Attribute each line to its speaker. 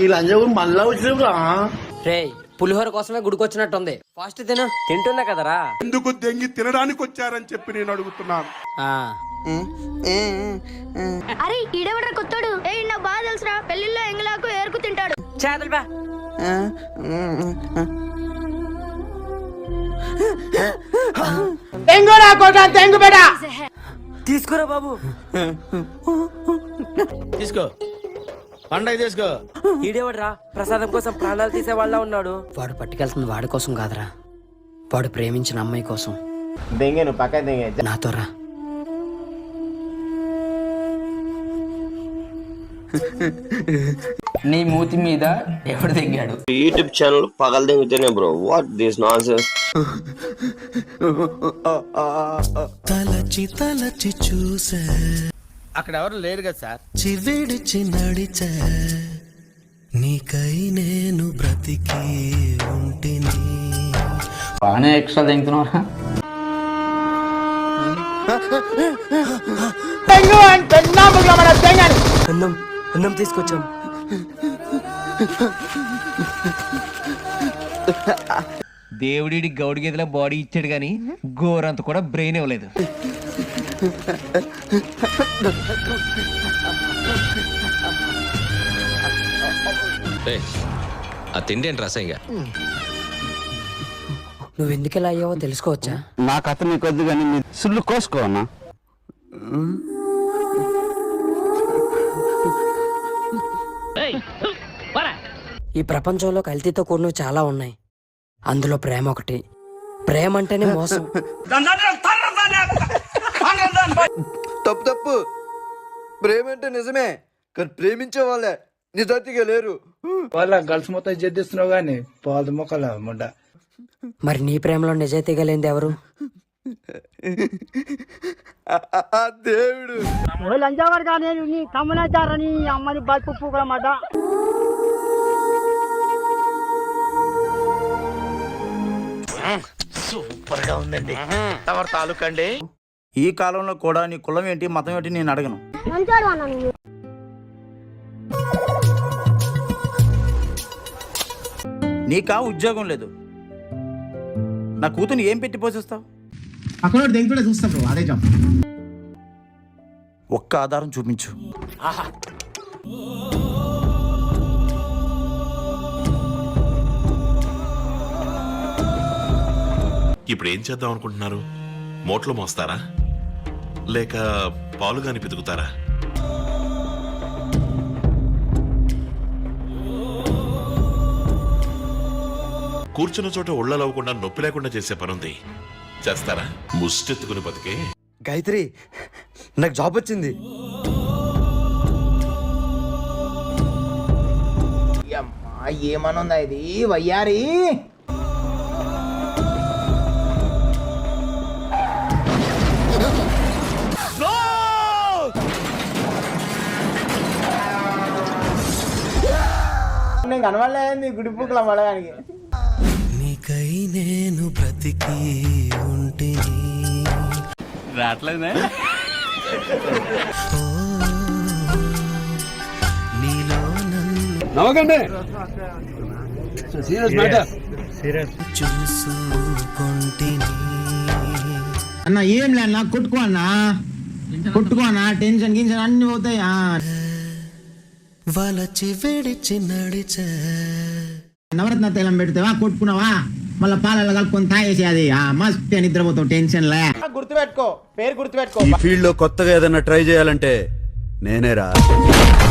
Speaker 1: లంజం మళ్ళా వచ్చిరా
Speaker 2: రే పులిహోర కోసమే గుడికొచ్చినట్టుంది. ఫాస్ట్ తిను. తింటున్నా కదరా.
Speaker 3: ఎందుకు దెంగి తినడానికి వచ్చారని చెప్పి నేను అడుగుతున్నాను.
Speaker 4: అరే ఈడెవడ్రా కొత్తోడు? నా బాగా తెలుసురా, పెళ్లిలో ఎంగలాకు ఏరుకు తింటాడు.
Speaker 2: చేతులు బా. తీసుకురా బాబు.
Speaker 1: తీసుకో పండగ తీసుకో.
Speaker 2: ఈడేవాడ్రా ప్రసాదం కోసం ప్రాణాలు తీసే వాళ్ళ ఉన్నాడు. వాడు పట్టుకెళ్తుంది వాడి కోసం కాదురా, వాడు ప్రేమించిన అమ్మాయి కోసం.
Speaker 5: దెంగేను పక్క దెంగే
Speaker 2: నాతో రా.
Speaker 6: నీ మూతి మీద ఎవడు దిగాడు?
Speaker 5: యూట్యూబ్ ఛానల్ పగల దెంగితేనే బ్రో. What this nonsense.
Speaker 7: తలచి తలచి చూసా,
Speaker 1: అక్కడ ఎవరు లేరు కదా సార్.
Speaker 7: చివిడిచి నడిచా, నీకై నేను బ్రతికి ఉంటిని.
Speaker 6: బాగానే ఎక్స్ట్రా దింగుతున్నావా?
Speaker 2: అన్నం అన్నం తీసుకొచ్చాం.
Speaker 8: దేవుడి గౌడి గేదెల బాడీ ఇచ్చాడు గాని గోరంత కూడా బ్రెయిన్ ఇవ్వలేదు.
Speaker 9: ఆ తిండి ఏంటి రసంగా?
Speaker 2: నువ్వు ఎందుకు ఇలా అయ్యావో తెలుసుకోవచ్చా?
Speaker 5: నా కథ నీకు వద్దు కానీ మీ సుళ్ళు కోసుకో అన్నా.
Speaker 2: ఈ ప్రపంచంలో కల్తీతో కూడినవి చాలా ఉన్నాయి, అందులో ప్రేమ ఒకటి. ప్రేమ అంటేనే మోసం.
Speaker 10: తప్పు తప్పు. ప్రేమ అంటే నిజమే, కానీ ప్రేమించే వాళ్ళే నిజాతిగా లేరు.
Speaker 1: వాళ్ళ గర్ల్స్ మొత్తం జడ్డిస్తున్నావు గానీ పాలు మొక్కల ముండ.
Speaker 2: మరి నీ ప్రేమలో నిజాయితీగా లేనిది ఎవరు?
Speaker 10: దేవుడు.
Speaker 4: అమ్మని బతుకు మాట.
Speaker 1: సూపర్ గా ఉందండి. తమరు తాలూకండి.
Speaker 10: ఈ కాలంలో కూడా నీ కులం ఏంటి మతం ఏంటి నేను అడగను. నీకా ఉద్యోగం లేదు, నా కూతుని ఏం పెట్టి పోషిస్తావు?
Speaker 1: అక్కడ దెంగుడే చూస్తా బ్రో, అదే చెప్పు.
Speaker 10: ఒక్క ఆధారం చూపించు.
Speaker 3: ఇప్పుడు ఏం చేద్దాం అనుకుంటున్నారు? మోట్లో మోస్తారా లేక పాలుగాని పితుకుతారా? కూర్చున్న చోట ఒళ్ళలవ్వకుండా నొప్పి లేకుండా చేసే పనుంది, చేస్తారా? ముష్టెత్తుకుని బతికే.
Speaker 10: గాయత్రి, నాకు జాబ్ వచ్చింది.
Speaker 5: ఏమనుందా ఇది వయ్యారి? నేను కనబడలేదు గుడి పూకల పడడానికి.
Speaker 7: నీకై నేను బ్రతికి ఉంటిని.
Speaker 8: రావట్లేదే
Speaker 7: నీలో నన్ను
Speaker 1: నవ్వకండి.
Speaker 7: చూసుకుంటిని.
Speaker 1: అన్న ఏం లే అన్న, కొట్టుకో అన్న, కొట్టుకో అన్న. టెన్షన్ గిన్షన్ అన్ని పోతాయి.
Speaker 7: వలచి విడిచి నడిచా,
Speaker 1: నవరత్న తైలం పెడతావా, కొట్టుకున్నావా, మళ్ళీ పాలలో కలుపుకొని తాగేసి అది మస్తు నిద్రపోతావు టెన్షన్ లే.
Speaker 5: గుర్తుపెట్టుకో, పేరు గుర్తుపెట్టుకో.
Speaker 10: ఈ ఫీల్డ్ లో కొత్తగా ఏదైనా ట్రై చేయాలంటే నేనేరా.